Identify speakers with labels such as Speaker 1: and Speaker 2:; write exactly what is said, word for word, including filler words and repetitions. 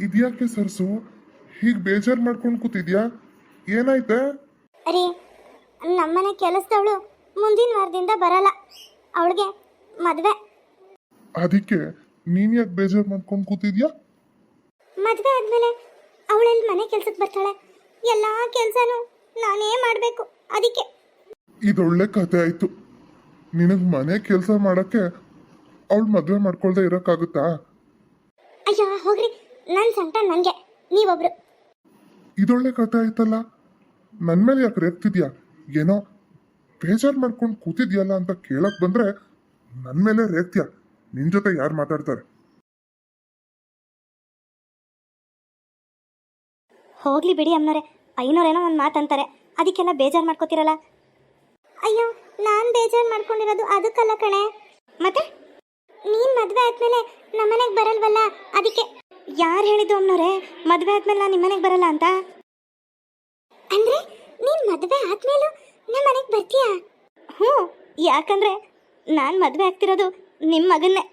Speaker 1: ಇದ್ಯಾಕೆ ಸರ್ಸು ಹೀಗೆ ಬೇಜಾರು ಮಾಡ್ಕೊಂಡು ಕೂತಿದ್ಯಾ? ಏನಾಯ್ತೆ?
Speaker 2: ಅರೆ, ನಮ್ಮನೆ ಕೆಲಸದವಳು ಮುಂದಿನ ವಾರದಿಂದ ಬರಲ್ಲ. ಅವಳಿಗೆ ಮದುವೆ.
Speaker 1: ಅದಕ್ಕೆ ನೀನ್ ಯಾಕೆ ಬೇಜಾರು ಮಾಡ್ಕೊಂಡು ಕೂತಿದ್ಯಾ?
Speaker 2: ಮದುವೆ ಆದಮೇಲೆ ಅವಳೆಲ್ಲಿ ಮನೆ ಕೆಲ್ಸಕ್ಕೆ ಬರ್ತಾಳೆ? ಎಲ್ಲ ಕೆಲಸನೂ ನಾನೇ ಮಾಡಬೇಕು. ಅದಕ್ಕೆ
Speaker 1: ಇದೊಳ್ಳೆ ಕತೆ ಆಯ್ತು. ನಿನಗೆ ಮನೆ ಕೆಲಸ ಮಾಡಕ್ಕೆ ಅವಳು ಮದುವೆ ಮಾಡ್ಕೊಳ್ದೆ ಇರೋಕ್ಕಾಗುತ್ತಾ?
Speaker 2: ಅಯ್ಯೋ ಹೋಗ್ರಿ, ನನ್ನ ಸಂಕಟ ನನಗೆ, ನೀವೊಬ್ರು.
Speaker 1: ಇದೊಳ್ಳೆ ಕತೆ ಆಯ್ತಲ್ಲ. ನನ್ನ ಮೇಲೆ ಯಾಕೆ ರೇಗ್ತಿದ್ಯಾ? ಏನೋ ಬೇಜಾರು ಮಾಡ್ಕೊಂಡು ಕೂತಿದ್ಯಲ್ಲ ಅಂತ ಕೇಳಕ್ ಬಂದ್ರೆ ನನ್ನ ಮೇಲೆ ರೇಗ್ತ್ಯಾ? ನಿನ್ ಜೊತೆ ಯಾರು ಮಾತಾಡ್ತಾರೆ?
Speaker 2: ಹೋಗ್ಲಿ ಬಿಡಿ ಅಮ್ಮನವ್ರೆ, ಐನೋರೇನೋ ಒಂದು ಮಾತಂತಾರೆ, ಅದಕ್ಕೆಲ್ಲ ಬೇಜಾರು ಮಾಡ್ಕೋತಿರಲ್ಲ. ಅಯ್ಯೋ, ನಾನು ಬೇಜಾರು ಮಾಡ್ಕೊಂಡಿರೋದು ಅದಕ್ಕಲ್ಲ ಕಣೆ. ಮತ್ತೆ ನೀನು ಮದುವೆ ಆದ್ಮೇಲೆ ನಮ್ಮನೆಗೆ ಬರಲ್ವಲ್ಲ, ಅದಕ್ಕೆ. ಯಾರು ಹೇಳಿದ್ದು ಅಮ್ಮನವ್ರೆ ಮದುವೆ ಆದ್ಮೇಲೆ ನಾನು ನಿಮ್ಮನೆಗೆ ಬರಲ್ಲ ಅಂತ? ಅಂದ್ರೆ ನೀನು ಮದುವೆ ಆದ್ಮೇಲೂ ನಮ್ಮ ಮನೆಗೆ ಬರ್ತೀಯಾ? ಹ್ಞೂ, ಯಾಕಂದ್ರೆ ನಾನು ಮದುವೆ ಆಗ್ತಿರೋದು ನಿಮ್ಮ ಮಗನ್ನೇ.